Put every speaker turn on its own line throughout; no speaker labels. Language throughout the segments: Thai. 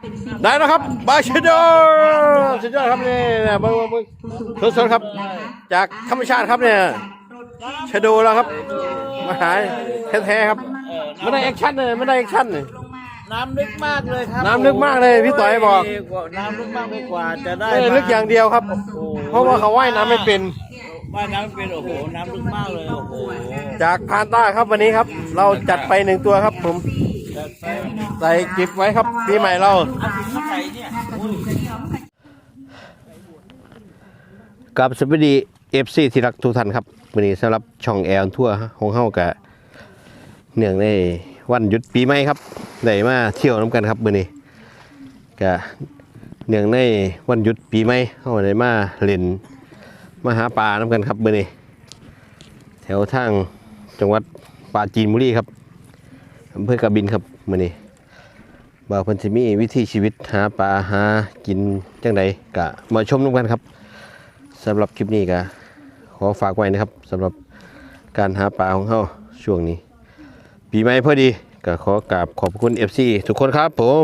ได้แล้วครับบาชิโดสุดยอดครับนี่เบิ้งสดๆครับจากธรรมชาติครับเนี่ยชโดแล้วครับมาหายแท้ๆครับไม่ได้แอคชั่นเลยไม่ได้แอคชั่นเลย
น้ำลึกมากเลยครับ
น้ำลึกมากเลยพี่ต่อยบอก
น้ำลึกมากไปกว่าจะได้
ลึกอย่างเดียวครับเพราะว่าเขาว่ายน้ำไม่เป็น
ว่ายน้ำเป็นโอ้โหน้ำลึกมากเลยโอ้โห
จากพานต้าครับวันนี้ครับเราจัดไป1ตัวครับผมใส่กิฟไว้ครับปีใหม่เรากับสวัสดีFCที่รักทุกท่านครับวันนี้สำหรับช่องแอลทั่วของเฮากะเนื่องในวันหยุดปีใหม่ครับได้มาเที่ยวน้ำกันครับวันนี้กะเนื่องในวันหยุดปีใหม่เฮาได้มาเล่นมาหาปลาน้ำกันครับวันนี้แถวทางจังหวัดปราจีนบุรีครับอำเภอกบินครับวันนี้บ่าวเพิ่นสิมีวิถีชีวิตหาปลาหากินจังใดกะมาชมน้ำกันครับสำหรับคลิปนี้ก็ขอฝากไว้นะครับสำหรับการหาปลาของเขาช่วงนี้ปีใหม่พอดีก็ขอกราบขอบคุณ FC ทุกคนครับผม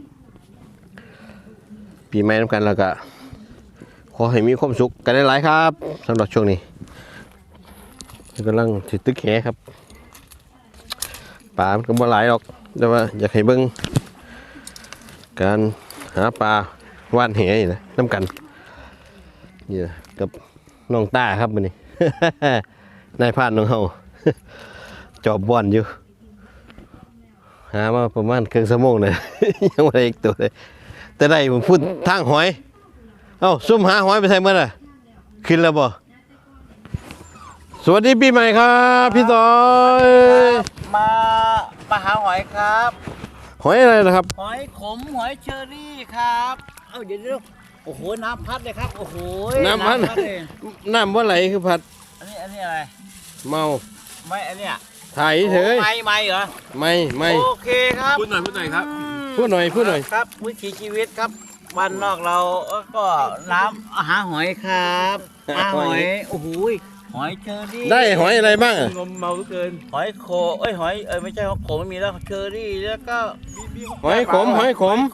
ปีใหม่น้ำกันแล้วก็ขอให้มีความสุขกันหลายๆครับสำหรับช่วงนี้กำลังติดตึกแหครับปลามันก็บ่หลายหรอกแต่ว่าอยากให้เบิ่งการหาปลาว่านแหนะน้ำกันนี่กับน้องต้าครับมันนี่ นายพานน้องเฮา จอบบ่อนอยู่หามาประมาณครึ่งชั่วโมงเลย ยังไม่ได้อีกตัวเลยแต่ได้ผมพูดทางหอยเอ้าซุ่มหาหอยไปใส่เมื่อไหร่ขึ้นแล้วบ่สวัสดีปีใหม่ครับพี่ต่อย
มาหาหอยครับ
หอยอะไรนะครับ
หอยขมหอยเชอรี่ครับเดี๋ยวโอ้โหน้ำพัดเลยครับโอ้โห
น้ำพัดน้ำว่าไหลคือพัด
อันนี้อะไร
เมา
ไม่อันเนี้ย
ถ่ายเฉย
ไม่เหรอ
ไม่
โอเคครับ
พูดหน่อยครับพูดหน่อย
ครับวิถีชีวิตครับบ้านนอกเราก็น้ำหาหอยครับหาหอยโอ้โหหอยเชอรี่
ได้หอยอะไรบ้าง
งมเมาเกินหอยโขหอยไม่ใช่หอยโขไม่มีแล้วเชอรี่แล้วก็
หอยขมหอย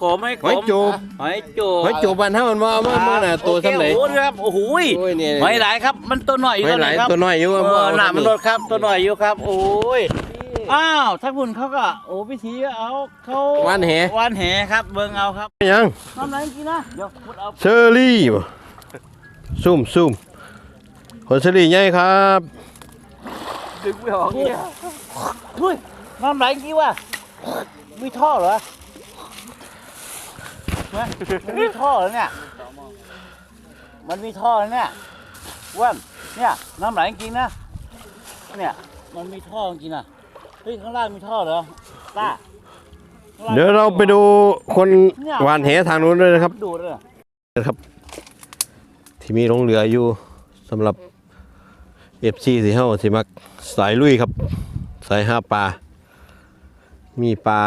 จูบบ้านเท่ามันว่าน่ะตัวสำเร็จ
ครับโอ้โหหอยหลายครับมันตัวหน่อยอยู่ครับ
ตัวหน่อยอยู่
หนามันลดครับตัวหน่อยอยู่ครับโอ้ยอ้าวถ้าคุณเขาก็โอ้พิธีเอาเขา
วันแห
ครับเบิ่งเอาครับ
ยัง
น้ำไหลกินนะเดี๋ยวพุดเอา
เชอรี่ซุ่มผลเชอรี่ใหญ่ครับ
ดึงไม่ออกเนี่ยเฮ้ยน้ำไหลกี่วะมีท่อเหรอมันมีท่อเหรอเนี่ยมันมีท่อเนี่ยว่านเนี่ยน้ำไหลจริงนะเนี่ยมันมีท่อจริงนะเฮ้ยข้างล่างมีท่อเหรอป้า
เดี๋ยวเราไปดูคนหวานแหทางนู้นด้วยนะครับ
ดูเลย
นะครับที่มีลงเรืออยู่สำหรับFC สีเฮาสิมักสายลุยครับสายหาปลามีปลา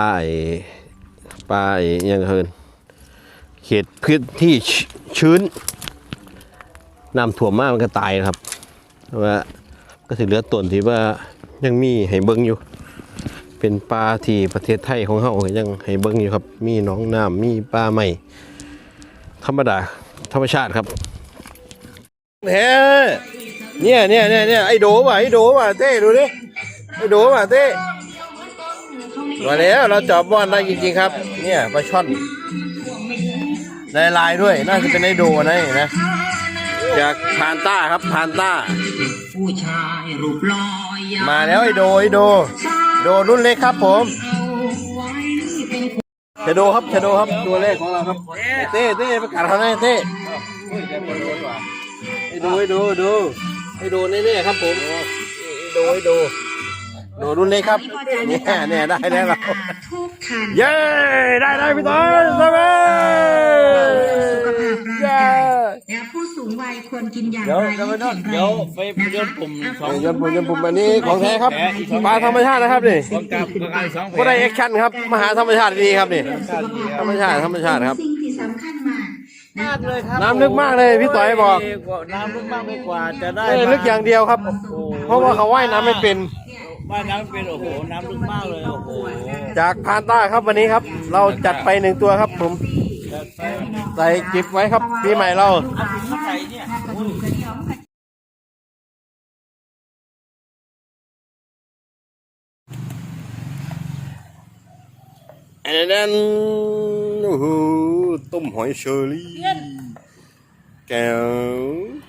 อย่างเฮินเขตพื้นที่ชื้นน้ำท่วมมากมันก็ตายนะครับว่าก็สิเหลือต้นที่ว่ายังมีให้เบิ้งอยู่เป็นปลาที่ประเทศไทยของเฮายังให้เบิ้งอยู่ครับมีหนองน้ำมีปลาใหม่ธรรมดาธรรมชาติครับเฮ้เนี่ยไอ้โดว่ะเต้ดูดิไอ้โดว่ะเต้มาแล้วเราจับบอลได้จริงๆครับเนี่ยปลาช่อนได้ลายด้วยน่าจะเป็นไอ้โดนะนะจากพานต้าครับพานต้ามาแล้วไอ้โดรุ่นเล็กครับผมชะโดครับตัวเล็กของเราครับเต้ประกาศเขาหน่อยเต้ให้ดูแน่ๆครับผมให้ดูรุ่นเล็กครับเนี่ยได้แล้วเราเย้ได้พี่ต้อยได้ไหม
ผู้สูงวัยควรกินอย่างไรให้แข็งแรง
เดี๋ยวไปยนปุ่ม
อันนี้ของแท้ครับปลาธรรมชาตินะครับนี่ก็ได้แอคชั่นครับมหาธรรมชาติดีครับนี่ธรรมชาติครับ
สิ่งที่สำคัญมาก
เลยครับ
น้ำลึกมากเลยพี่ต่อยบอก
น้ำลึกมากไปกว่าจะได้
ลึกอย่างเดียวครับเพราะว่าเขาว่ายน้ำไม่เป็น
ว่ายน้ำเป็นโอ้โหน้ำลึกมากเลยโอ้โห
จากพานต้าครับวันนี้ครับ เราจัดไปหนึ่งตัวครับผมใส่จิบไว้ครับปีใหม่เรา
เอาถุงมาใส่เนี่ย
กระดูกกระเดี่ยวมันก็
อันนั้นโอ้โหต้มหอยเชอรี่แก้ว